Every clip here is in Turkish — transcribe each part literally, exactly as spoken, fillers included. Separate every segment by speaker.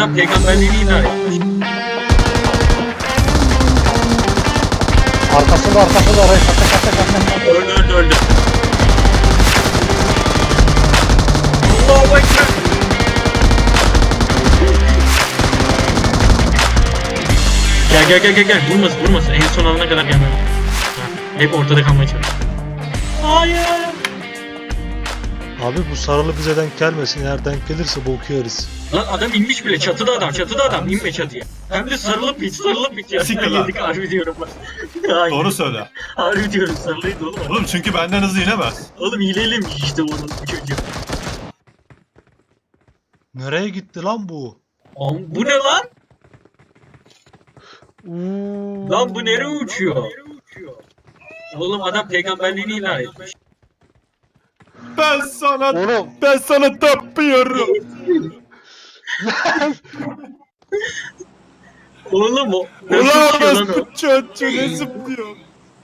Speaker 1: adam peygamberliğini ilan etmiş.
Speaker 2: Arkasında arkasında arayı kata kata kata.
Speaker 1: Öldü öldü öldü. Allahu Ekber. Gel gel gel gel gel. Vurmasın vurmasın. En son alana kadar gelmem. Hep ortada kalmaya çalış. Hayır.
Speaker 2: Abi bu sarılı bize denk gelmesin. Eğer denk gelirse boku yeriz.
Speaker 1: Lan adam inmiş bile. Çatıda adam. Çatıda adam. İnme çatıya. Hem de sarılıp hiç sarılıp hiç ya.
Speaker 3: Siktir lan.
Speaker 1: Yedik harbi diyorum bak. Hayır.
Speaker 3: Doğru söyle.
Speaker 1: Harbi diyorum sarılıydı oğlum.
Speaker 3: Oğlum çünkü benden hızlı inemez.
Speaker 1: Oğlum hileliymiş işte onun bu çocuğu.
Speaker 2: Nereye gitti lan bu?
Speaker 1: Oğlum bu ne lan?
Speaker 2: Uuu.
Speaker 1: Lan bu nereye uçuyor? Oğlum adam peygamberliğini ilan etmiş.
Speaker 3: Ben sana
Speaker 2: Oğlum.
Speaker 3: ben sana tapıyorum.
Speaker 1: Oğlum o. Ne
Speaker 3: Ulan
Speaker 1: uçuyor lan o?
Speaker 3: bu çocuğu ne zıplıyor?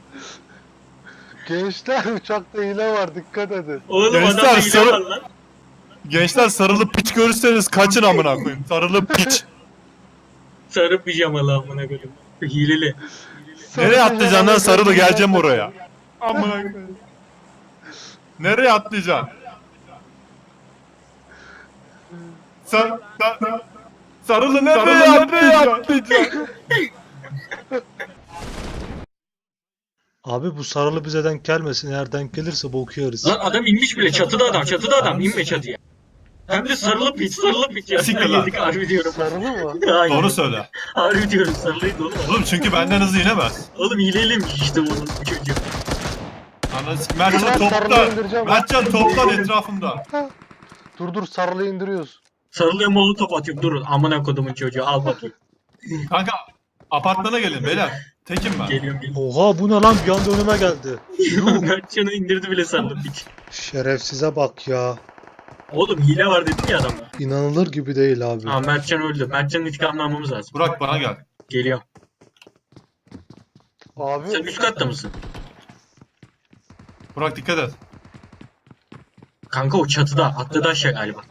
Speaker 2: Gençler uçakta hile var, dikkat edin.
Speaker 1: Oğlum
Speaker 3: Gençler,
Speaker 1: adamda hile
Speaker 3: sarı-
Speaker 1: var lan.
Speaker 3: Gençler sarılı piç görürseniz kaçın amına koyayım. Sarılı piç.
Speaker 1: Sarı pijamalı amına koyayım. Hileli.
Speaker 3: Nereye atlayacaksın lan sarılı, geleceğim oraya. Amına koyayım. Nereye atlayacaksın? Sen, sen, sarılı nereye atlayacaksın?
Speaker 2: Abi bu sarılı bize denk gelmesin. Eğer denk gelirse boku yeriz.
Speaker 1: Lan adam inmiş bile. Çatıda adam. Çatıda adam. İnme çatıya. Hem de sarılıp hiç sarılıp hiç ya.
Speaker 3: Siktir lan.
Speaker 1: Yedik harbi diyorum.
Speaker 2: Sarılı mı?
Speaker 1: Hayır.
Speaker 3: Doğru söyle.
Speaker 1: Harbi diyorum sarılıydı oğlum.
Speaker 3: Oğlum çünkü benden hızlı inemez.
Speaker 1: Oğlum hileliymiş işte onun bu çocuğu.
Speaker 3: Anasını Mertcan
Speaker 2: Ulan sarılı
Speaker 3: toplan.
Speaker 2: indireceğim.
Speaker 3: Mertcan toplan etrafımda.
Speaker 2: Dur dur sarılı indiriyoruz.
Speaker 1: Sarılıya molu top atıyorum. Durun amına kodumun çocuğu al bakayım.
Speaker 3: Kanka apartmana gelin beyler. Tekim ben.
Speaker 1: Geliyorum geliyorum.
Speaker 2: Oha bu ne lan, bir anda önüme geldi.
Speaker 1: Mertcan'ı indirdi bile sarılıp hiç.
Speaker 2: Şerefsize bak ya.
Speaker 1: Oğlum hile var dedim ya adamla.
Speaker 2: İnanılır gibi değil abi.
Speaker 1: Aa Mertcan öldü. Mertcan'ın intikamını almamız lazım.
Speaker 3: Burak bana gel.
Speaker 1: Geliyorum.
Speaker 2: Abi.
Speaker 1: Sen üst katta mısın?
Speaker 3: Burak dikkat et.
Speaker 1: Kanka o çatıda. Atladı aşağı galiba.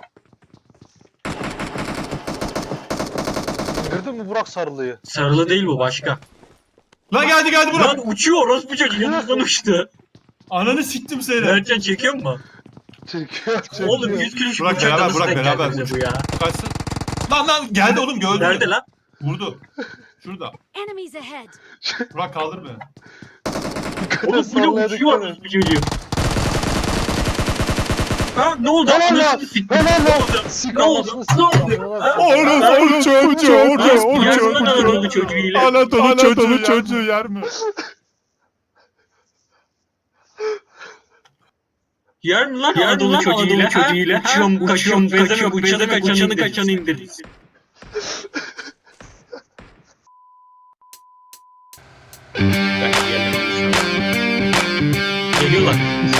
Speaker 2: İndirdin mi Burak sarılıyı?
Speaker 1: Sarılı değil bu başka.
Speaker 3: Lan geldi geldi Burak.
Speaker 1: Lan uçuyor orospu çocuğu yanımızdan uçtu.
Speaker 3: Ananı siktim seni.
Speaker 1: Mertcan çekiyor mu?
Speaker 2: Çekiyor çekiyor.
Speaker 1: Oğlum yüz kilo şu
Speaker 3: Burak
Speaker 1: uçakta
Speaker 3: beraber,
Speaker 1: nasıl
Speaker 3: Burak
Speaker 1: denk geldi
Speaker 3: beraber
Speaker 1: bize
Speaker 3: uç.
Speaker 1: bu ya?
Speaker 3: Kaçsın. Lan lan geldi oğlum gördüm.
Speaker 1: Nerede lan?
Speaker 3: Vurdu. Şurada.
Speaker 4: Enemies ahead.
Speaker 3: Burak kaldır beni.
Speaker 1: Oğlum bu ne
Speaker 2: Sallaya
Speaker 1: uçuyor
Speaker 2: dikkat et.
Speaker 1: orospu çocuğu. Ha ne oldu?
Speaker 2: Helal lan.
Speaker 1: Anasını siktim.
Speaker 2: Helal
Speaker 1: Ne
Speaker 2: lan.
Speaker 1: oldu?
Speaker 2: Sika
Speaker 1: Ne oldu?
Speaker 2: olsun,
Speaker 1: Ne oldu?
Speaker 2: sika.
Speaker 3: Oğlum oğlum çocuğu orada
Speaker 1: Yer mi lan Anadolu çocuğu ile?
Speaker 3: Anadolu çocuğu çocuğu yer mi?
Speaker 1: Yer mi lan Anadolu çocuğuyla? Çocuğuyla. Uçuyorum, kaçıyorum, kaçıyorum, kaçanı kaçanı kaçanı indir. Geliyorlar.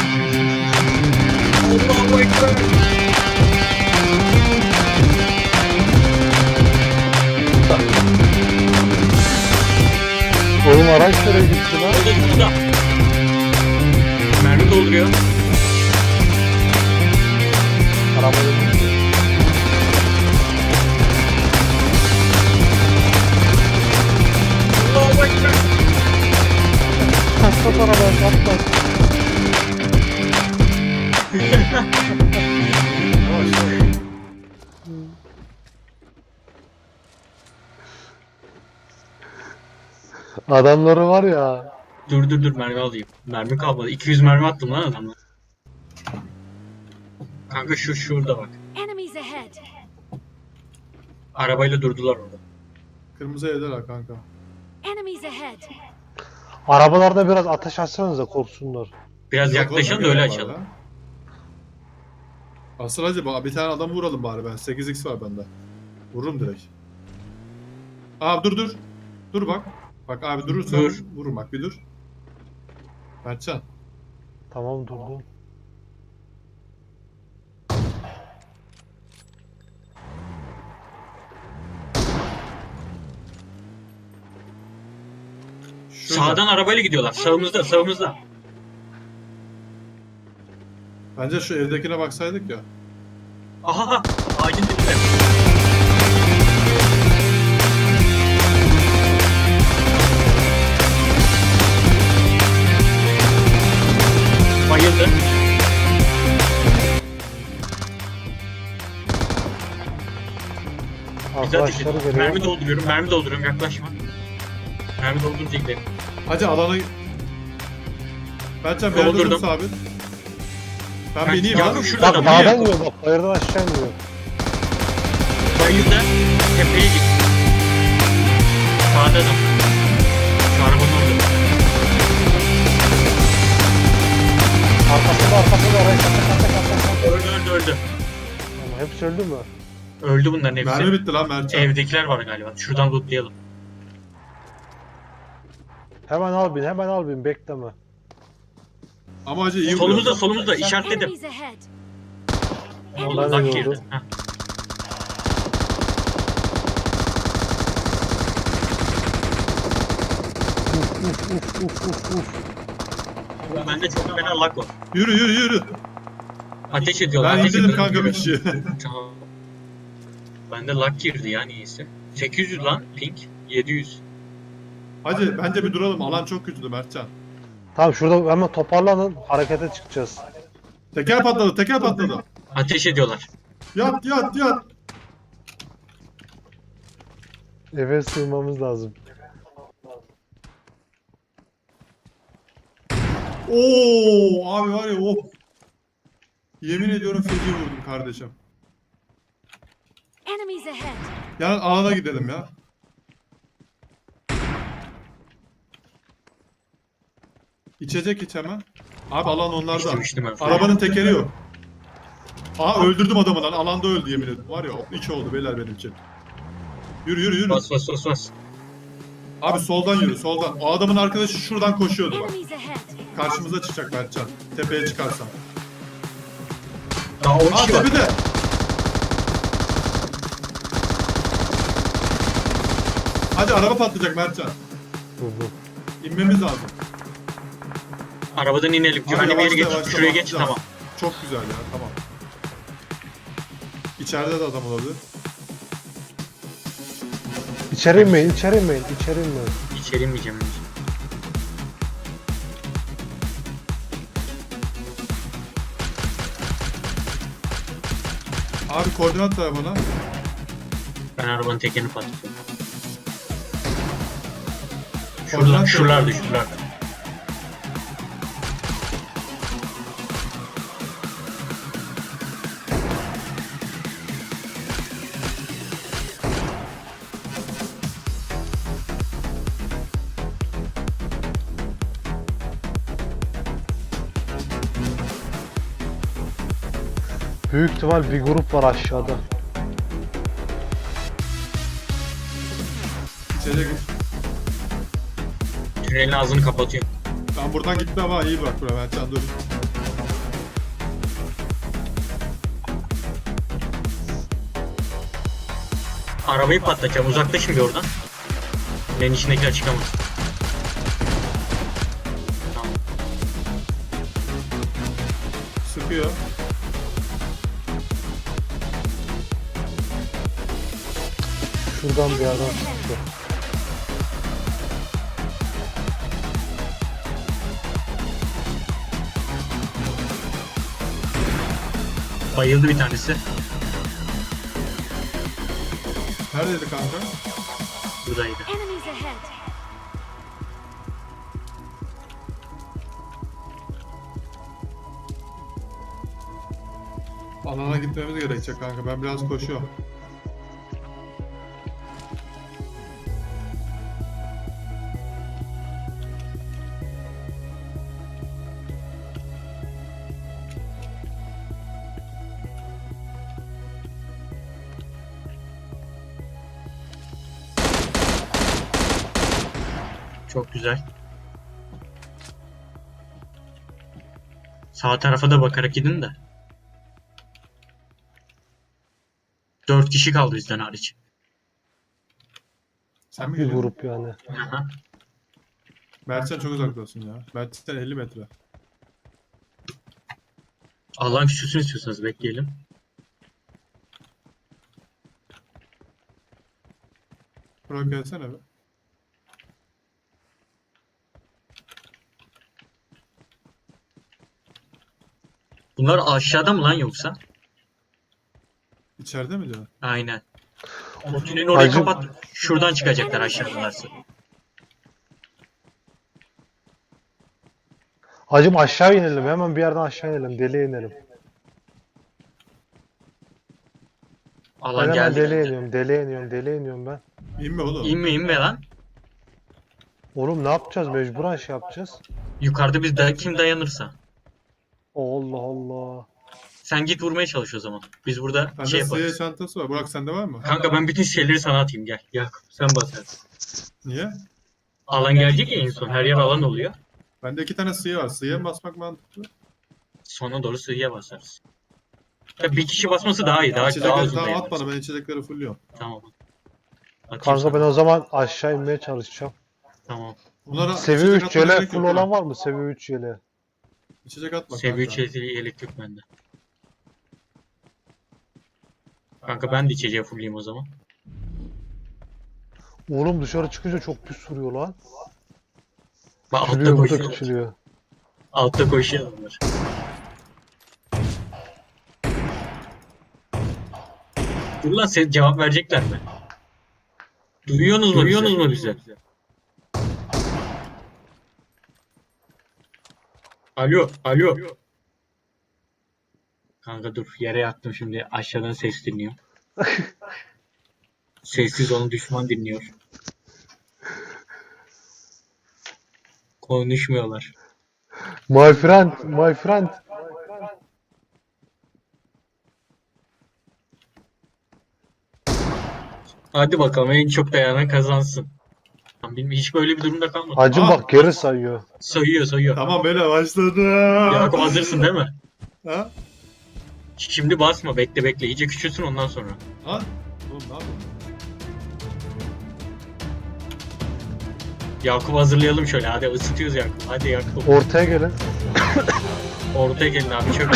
Speaker 1: Allahu Ekber.
Speaker 2: Oğlum araç nereye gitti lan?
Speaker 1: Orada burada. Mermi dolduruyor.
Speaker 2: Arabayı.
Speaker 1: Allahu Ekber.
Speaker 2: Patlat arabayı patlat. Adamları var ya.
Speaker 1: Dur dur dur mermi alayım. Mermi kalmadı. iki yüz mermi attım lan adamla. Kanka şu şurada bak.
Speaker 4: Enemies ahead.
Speaker 1: Arabayla durdular orada.
Speaker 3: Kırmızı evdeler kanka.
Speaker 4: Enemies ahead.
Speaker 2: Arabalarda biraz ateş açsanıza korksunlar.
Speaker 1: Biraz yaklaşalım da öyle açalım.
Speaker 3: Asıl hacı bak bir tane adam vuralım bari ben. sekiz x var bende. Vururum direkt. Abi dur dur. Dur bak. Bak abi durursan
Speaker 1: Dur.
Speaker 3: vururum bak bir dur. Mertcan.
Speaker 2: Tamam durdum.
Speaker 3: Şurada.
Speaker 1: Sağdan arabayla gidiyorlar. Sağımızda, sağımızda.
Speaker 3: Bence şu evdekine baksaydık ya.
Speaker 1: Aha, ağacın dibinde. bayıldı. Bize ateş
Speaker 2: Arkadaşları
Speaker 1: ediyor.
Speaker 2: geliyor.
Speaker 1: Mermi dolduruyorum, mermi dolduruyorum, yaklaşma. Mermi doldurunca gidelim.
Speaker 3: Hacı alana... Mertcan bir yerde
Speaker 1: Doldurdum.
Speaker 3: dur sabit. Ben
Speaker 1: Ben-
Speaker 3: bineyim
Speaker 1: Yakup
Speaker 3: abi.
Speaker 1: şurada
Speaker 2: Bak
Speaker 1: adam.
Speaker 2: dağdan
Speaker 1: Niye?
Speaker 2: iniyor bak. Bayırdan aşağı iniyor.
Speaker 1: Bayıldı. Tepeye git. Sağda adam. Şu arabanın orada.
Speaker 2: Arkasında arkasında orayı kata kata kata kata.
Speaker 1: Öldü öldü öldü.
Speaker 2: Ama hepsi öldü mü?
Speaker 1: Öldü bunların hepsi.
Speaker 3: Mermi bitti lan Mertcan.
Speaker 1: Evdekiler var galiba. Şuradan lootlayalım.
Speaker 2: Hemen al bin, hemen al bin, bekleme.
Speaker 3: Ama hacı iyi
Speaker 1: Solumuzda
Speaker 3: vuruyor.
Speaker 1: solumuzda işaretledim.
Speaker 4: Enemies ahead.
Speaker 1: Allah
Speaker 2: Ben de
Speaker 1: girdi.
Speaker 2: gördüm.
Speaker 1: Heh.
Speaker 2: Uf uf uf uf uf.
Speaker 1: Bende çok fena lag var.
Speaker 3: Yürü yürü yürü.
Speaker 1: Ateş ediyorlar.
Speaker 3: Ben
Speaker 1: ateş
Speaker 3: indirdim
Speaker 1: ediyorlar.
Speaker 3: kanka bir kişiyi.
Speaker 1: Tamam. Bende lag girdi ya niyeyse. sekiz yüz lan ping. yedi yüz.
Speaker 3: Hacı bence bir duralım. Alan çok kötüydü Mertcan.
Speaker 2: Tamam şurada hemen toparlanın, harekete çıkacağız.
Speaker 3: Teker patladı, teker patladı.
Speaker 1: Ateş ediyorlar.
Speaker 3: Yat yat yat.
Speaker 2: Eve sığmamız lazım.
Speaker 3: Oo abi var ya of. Yemin ediyorum feci vurdum kardeşim.
Speaker 4: Enemies ahead.
Speaker 3: Yani alana gidelim ya. İçecek iç hemen. Abi alan onlarda.
Speaker 1: İçtim içtim ben.
Speaker 3: Arabanın tekeri yok. Aa öldürdüm adamı lan. Alanda öldü yemin ederim. Var ya iki oldu beyler benim için. Yürü yürü yürü.
Speaker 1: Bas bas bas bas.
Speaker 3: Abi soldan yürü soldan. O adamın arkadaşı şuradan koşuyordu bak.
Speaker 4: Enemies ahead.
Speaker 3: Karşımıza çıkacak Mertcan. Tepeye çıkarsan.
Speaker 1: Daha on
Speaker 3: Aa
Speaker 1: kişi var.
Speaker 3: tepede. Hadi araba patlayacak Mertcan.
Speaker 2: Hı hı.
Speaker 3: İnmemiz lazım.
Speaker 1: Arabadan inelim.
Speaker 3: Abi
Speaker 1: Güvenli bir yere
Speaker 3: yavaşla,
Speaker 1: geç.
Speaker 3: yavaşla,
Speaker 1: Şuraya geç
Speaker 3: patlayacak.
Speaker 1: tamam.
Speaker 3: Çok güzel ya tamam. İçeride de adam olabilir.
Speaker 2: İçeri inmeyin, içeri inmeyin, içeri inmeyin.
Speaker 1: İçeri inmeyeceğim.
Speaker 3: Abi koordinat ver bana.
Speaker 1: Ben arabanın tekerini patlatıyorum.
Speaker 3: Koordinat
Speaker 1: Şuradan,
Speaker 3: ver.
Speaker 1: şuralarda, şuralarda.
Speaker 2: Büyük ihtimal bir grup var aşağıda.
Speaker 3: İçecek iç.
Speaker 1: Tünelin ağzını kapatıyorum.
Speaker 3: Ben buradan gitme ama iyi bırak buraya Mertcan dur.
Speaker 1: Arabayı patlatacağım. Uzaklaşın bir oradan. Tünelin içindekiler çıkamaz. Tamam.
Speaker 3: Sıkıyor.
Speaker 2: Şuradan bir yerden çıktı.
Speaker 1: Bayıldı bir tanesi.
Speaker 3: Neredeydi kanka?
Speaker 1: Buradaydı.
Speaker 4: Enemies ahead.
Speaker 3: Alana gitmemiz gerekecek kanka. Ben biraz koşuyorum.
Speaker 1: Çok güzel. Sağ tarafa da bakarak gidin de. Dört kişi kaldı bizden hariç.
Speaker 3: Sen mi
Speaker 2: Bir
Speaker 3: geliyorsun?
Speaker 2: grup yani.
Speaker 1: Aha.
Speaker 3: Mertcan çok uzaktasın ya. Mertcan elli metre.
Speaker 1: Allah'ın küçülsün istiyorsanız bekleyelim.
Speaker 3: Burak gelsene be.
Speaker 1: Bunlar aşağıda mı lan yoksa?
Speaker 3: İçeride mi diyor?
Speaker 1: Aynen. O tünelin orayı
Speaker 2: Hacı-
Speaker 1: kapat. Şuradan çıkacaklar aşağıdalarsa.
Speaker 2: Hacım aşağı inelim. Hemen bir yerden aşağı inelim. Deliye inelim. Ben
Speaker 1: Alan
Speaker 2: hemen
Speaker 1: geldi.
Speaker 2: deliye iniyorum. Deliye iniyorum. Deliye iniyorum ben.
Speaker 3: İnme oğlum.
Speaker 1: İnme inme lan.
Speaker 2: Oğlum ne yapacağız? Mecburen şey yapacağız.
Speaker 1: Yukarıda biz da kim dayanırsa.
Speaker 2: Allah Allah.
Speaker 1: Sen git vurmaya çalış o zaman. Biz burada
Speaker 3: Bende
Speaker 1: şey
Speaker 3: sıyır
Speaker 1: yaparız.
Speaker 3: çantası var. Burak sende var mı?
Speaker 1: Kanka ben bütün şeyleri sana atayım gel. Yakup sen basarsın.
Speaker 3: Niye?
Speaker 1: Alan gelecek ya en son. Her yer alan oluyor.
Speaker 3: Bende iki tane sıyı var. Sıyıya mı basmak mantıklı?
Speaker 1: Sona doğru sığıya basarız. Ya bir kişi basması daha iyi. Daha, daha
Speaker 3: İçecekleri
Speaker 1: uzun
Speaker 3: tamam at
Speaker 1: dayanırız.
Speaker 3: bana. Ben içecekleri fulluyorum.
Speaker 1: Tamam. Atayım
Speaker 2: Kanka
Speaker 1: sana.
Speaker 2: ben o zaman aşağı inmeye çalışacağım.
Speaker 1: Tamam.
Speaker 3: Bunlara
Speaker 2: Seviye
Speaker 3: içecek
Speaker 2: üç
Speaker 3: atmaya
Speaker 2: yele
Speaker 3: gerek
Speaker 2: full
Speaker 3: yok ha.
Speaker 2: olan var mı? Seviye üç yele.
Speaker 3: İçecek atma
Speaker 1: Seviye üç
Speaker 3: kanka.
Speaker 1: elektrik bende. Kanka ben de içeceği fullleyeyim o zaman.
Speaker 2: Oğlum dışarı çıkınca çok pis vuruyor lan.
Speaker 1: Bak altta
Speaker 2: Küçülüyor, bu da
Speaker 1: koşuyor.
Speaker 2: küçülüyor.
Speaker 1: Altta koşuyor adamlar. Dur lan sen cevap verecekler mi? Duyuyorsunuz mu? Duyuyorsunuz mu bizi? Alo, alo. Kanka dur yere yattım şimdi aşağıdan ses dinliyorum. Sessiz olun düşman dinliyor. Konuşmuyorlar.
Speaker 2: My friend, my friend.
Speaker 1: Hadi bakalım en çok dayanan kazansın. Bilmiyorum, hiç böyle bir durumda kalmadım.
Speaker 2: Hacım
Speaker 3: Aa.
Speaker 2: bak geri sayıyor.
Speaker 1: Sayıyor sayıyor.
Speaker 3: Tamam böyle başladı.
Speaker 1: Yakup hazırsın değil mi?
Speaker 3: Ha?
Speaker 1: Şimdi basma bekle bekle iyice küçülsün ondan sonra.
Speaker 3: Ha? Oğlum ne yapıyorsun?
Speaker 1: Yakup hazırlayalım şöyle hadi ısıtıyoruz Yakup. Hadi Yakup.
Speaker 2: Ortaya gelin.
Speaker 1: Ortaya gelin abi çök.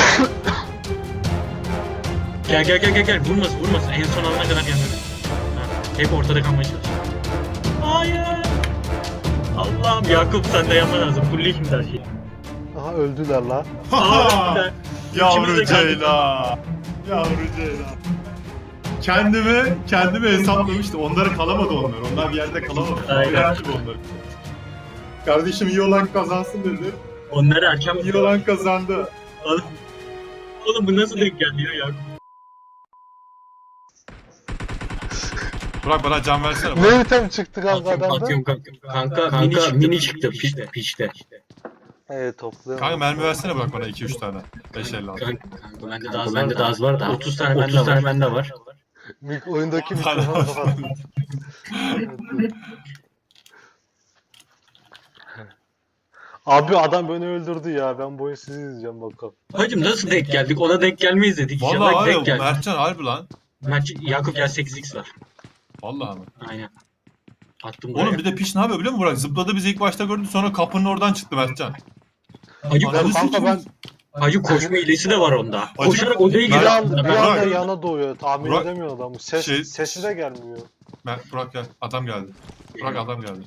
Speaker 1: Gel gel gel gel gel vurmasın vurmasın en son alana kadar yanına. Hep ortada kalmaya çalış. Hayır. Allah'ım Yakup sen de yapman lazım. Fulli şimdi her şeyi.
Speaker 2: Aha öldüler lan.
Speaker 1: Aa, İkimiz de
Speaker 3: Yavru
Speaker 1: kaldık.
Speaker 3: Ceylan. Yavru Ceylan. Kendimi, kendimi hesaplamıştım. Onları kalamadı onlar. Onlar bir yerde kalamadı.
Speaker 1: Aynen.
Speaker 3: Bıraktım onları. Kardeşim iyi olan kazansın dedi.
Speaker 1: Onları erken
Speaker 3: İyi olan kazandı.
Speaker 1: Oğlum, oğlum bu nasıl denk geldi ya Yakup?
Speaker 3: Burak bana can versene.
Speaker 2: Ne item çıktı kanka
Speaker 1: Atıyorum,
Speaker 2: adamda?
Speaker 1: atıyorum kanka. Kanka, kanka mini çıktı pişte pişte.
Speaker 2: Evet topluyorum.
Speaker 3: Kanka mermi versene Burak bana iki üç tane. beş elli altı.
Speaker 1: Kanka, kanka bende de az, bende de az var da. otuz tane bende otuz tane bende var.
Speaker 2: Mik oyundaki
Speaker 3: Bana-
Speaker 2: mikrofonu kapat. Abi adam beni öldürdü ya. Ben bu oyunu sizi izleyeceğim bakalım.
Speaker 1: Hacım nasıl denk geldik? Ona denk gelmeyiz dedik.
Speaker 3: Vallahi
Speaker 1: İnşallah
Speaker 3: var ya
Speaker 1: denk
Speaker 3: bu
Speaker 1: geldik.
Speaker 3: Mertcan harbi lan.
Speaker 1: Mert, Yakup gel sekiz x var.
Speaker 3: Vallahi mi?
Speaker 1: Aynen. Attım buraya.
Speaker 3: Oğlum bir de piş ne yapıyor biliyor musun Burak? Zıpladı bizi ilk başta gördü sonra kapının oradan çıktı Mertcan.
Speaker 1: Hacı,
Speaker 3: Ananı
Speaker 1: koş,
Speaker 2: Kanka ben
Speaker 1: hacı koşma hilesi de var onda.
Speaker 3: Hacı-
Speaker 1: Koşarak odaya
Speaker 3: Ben-
Speaker 2: bir
Speaker 1: giriyor.
Speaker 2: anda, bir
Speaker 3: Burak-
Speaker 2: anda yana doğuyor. Tahmin
Speaker 3: Burak-
Speaker 2: edemiyor adamı. Ses,
Speaker 3: Şey-
Speaker 2: sesi de gelmiyor.
Speaker 3: Mer- Burak gel. Adam geldi. Burak adam geldi.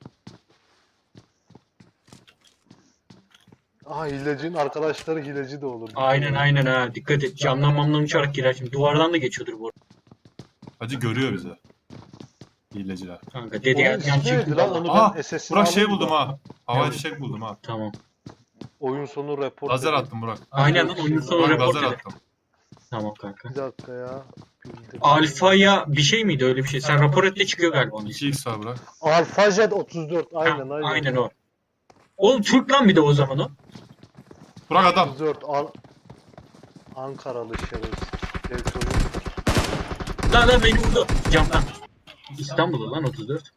Speaker 2: Aha hilecinin arkadaşları hileci de olur.
Speaker 1: Aynen aynen ha. Dikkat et. Camdan mamdan uçarak girer şimdi. Duvardan da geçiyordur bu arada.
Speaker 3: Hacı görüyor bizi. Hileciler.
Speaker 1: Kanka dedi
Speaker 2: Oyun
Speaker 1: ya. Yan
Speaker 2: ismi neydi
Speaker 1: çıktı
Speaker 2: lan?
Speaker 1: valla.
Speaker 2: Onu
Speaker 3: Aa,
Speaker 2: ben S S'ini
Speaker 3: Burak şey
Speaker 2: alayım
Speaker 3: buldum
Speaker 2: da.
Speaker 3: ha. Havai
Speaker 1: Evet.
Speaker 3: fişek buldum ha.
Speaker 1: Tamam.
Speaker 2: Oyun sonu report.
Speaker 3: Lazer
Speaker 2: edeyim.
Speaker 3: attım Burak.
Speaker 1: Aynen lan oyun sonu
Speaker 3: Burak
Speaker 1: report
Speaker 3: lazer
Speaker 1: eder.
Speaker 3: attım.
Speaker 1: Tamam kanka.
Speaker 2: Bir dakika ya. Bildim.
Speaker 1: Alfa'ya bir şey miydi öyle bir şey? Sen rapor et de çıkıyor galiba onun ismi.
Speaker 3: iki x var Burak.
Speaker 2: Alfa Jet otuz dört.
Speaker 1: Ha,
Speaker 2: Aynen aynen.
Speaker 1: aynen o. Oğlum Türk lan bir de o zaman o.
Speaker 3: Burak adam.
Speaker 2: otuz dört. An Ankaralı şerefsiz. Gerçi
Speaker 1: Lan lan beni vurdu. Camdan. İstanbul'da lan otuz dört.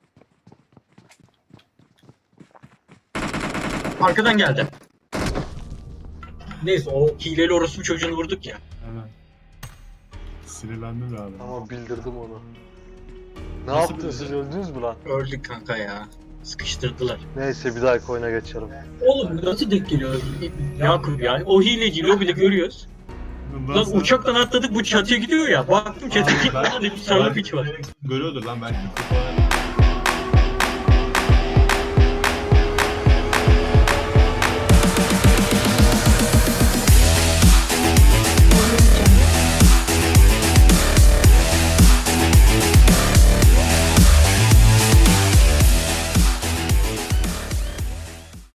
Speaker 1: Arkadan geldi. Neyse o hileli orospu çocuğunu vurduk ya.
Speaker 3: Evet. Sinirlendim ya abi.
Speaker 2: Ama bildirdim onu. Ne
Speaker 3: Nasıl
Speaker 2: yaptın siz
Speaker 3: bildirdin?
Speaker 2: öldünüz mü lan?
Speaker 1: Öldük kanka ya. Sıkıştırdılar.
Speaker 2: Neyse bir dahaki oyuna geçelim.
Speaker 1: Oğlum nasıl denk geliyor? Yakup ya. O hileci lobide görüyoruz.
Speaker 3: Bundan
Speaker 1: Lan
Speaker 3: sonra-
Speaker 1: uçaktan atladık bu çatıya gidiyor ya. Baktım çatıya
Speaker 3: Ben-
Speaker 1: gitmeden de bir sarı piç var.
Speaker 3: Görüyordur lan belki.